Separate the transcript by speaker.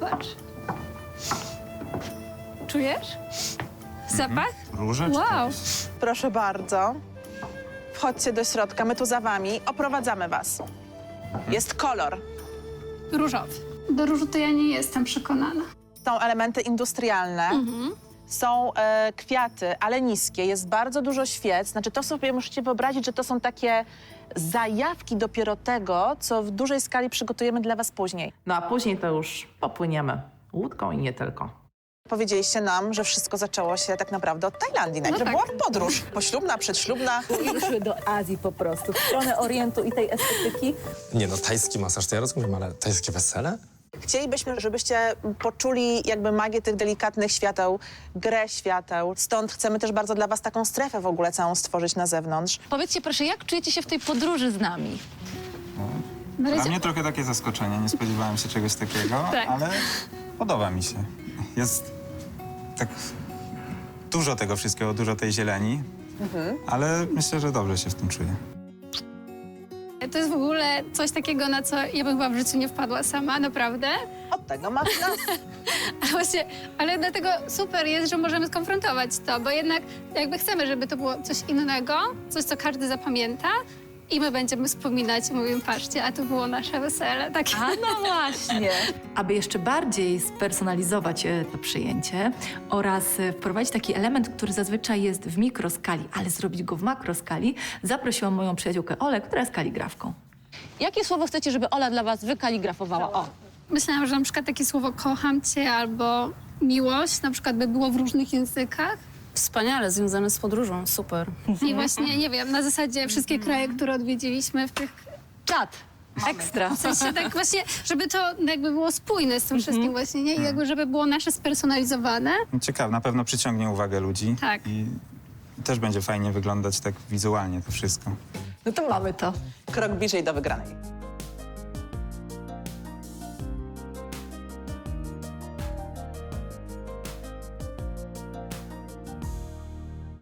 Speaker 1: Zobacz. Czujesz? Zapach?
Speaker 2: Róże? czy
Speaker 1: Wow.
Speaker 3: Proszę bardzo. Wchodźcie do środka, my tu za wami. Oprowadzamy was. Jest kolor.
Speaker 1: Różowy. Do różu to ja nie jestem przekonana.
Speaker 3: Są elementy industrialne. Są kwiaty, ale niskie. Jest bardzo dużo świec. Znaczy, to sobie musicie wyobrazić, że to są takie zajawki dopiero tego, co w dużej skali przygotujemy dla was później.
Speaker 4: No a później to już popłyniemy łódką i nie tylko.
Speaker 3: Powiedzieliście nam, że wszystko zaczęło się tak naprawdę od Tajlandii. Najpierw
Speaker 1: tak.
Speaker 3: była podróż poślubna, przedślubna.
Speaker 5: I ruszyły do Azji po prostu, w stronę Orientu i tej estetyki.
Speaker 6: Nie no, tajski masaż to ja rozumiem, ale tajskie wesele?
Speaker 3: Chcielibyśmy, żebyście poczuli jakby magię tych delikatnych świateł, grę świateł. Stąd chcemy też bardzo dla was taką strefę w ogóle całą stworzyć na zewnątrz.
Speaker 5: Powiedzcie proszę, jak czujecie się w tej podróży z nami?
Speaker 1: Na
Speaker 2: Dla
Speaker 1: razie
Speaker 2: mnie trochę takie zaskoczenie, nie spodziewałem się czegoś takiego,
Speaker 1: Tak.
Speaker 2: ale podoba mi się. Jest tak dużo tego wszystkiego, dużo tej zieleni, ale myślę, że dobrze się w tym czuję.
Speaker 1: to jest w ogóle coś takiego, na co ja bym chyba w życiu nie wpadła sama, naprawdę.
Speaker 3: Od tego ma nas.
Speaker 1: Ale dlatego super jest, że możemy skonfrontować to, bo jednak jakby chcemy, żeby to było coś innego, coś, co każdy zapamięta i my będziemy wspominać i mówimy, patrzcie, a to było nasze wesele. Takie.
Speaker 5: A no właśnie.
Speaker 7: Aby jeszcze bardziej spersonalizować to przyjęcie oraz wprowadzić taki element, który zazwyczaj jest w mikroskali, ale zrobić go w makroskali, zaprosiłam moją przyjaciółkę Olę, która jest kaligrafką.
Speaker 5: Jakie słowo chcecie, żeby Ola dla was wykaligrafowała? O,
Speaker 1: Myślałam, że na przykład takie słowo kocham cię albo miłość na przykład by było w różnych językach.
Speaker 8: Wspaniale, związane z podróżą, super.
Speaker 1: I właśnie, nie wiem, na zasadzie wszystkie kraje, które odwiedziliśmy w tych...
Speaker 5: czad. Ekstra.
Speaker 1: W sensie tak właśnie, żeby to jakby było spójne z tym wszystkim właśnie, nie? I jakby żeby było nasze spersonalizowane.
Speaker 2: Ciekawe, na pewno przyciągnie uwagę ludzi
Speaker 1: Tak.
Speaker 2: i też będzie fajnie wyglądać tak wizualnie to wszystko.
Speaker 5: No to mamy to.
Speaker 3: Krok bliżej do wygranej.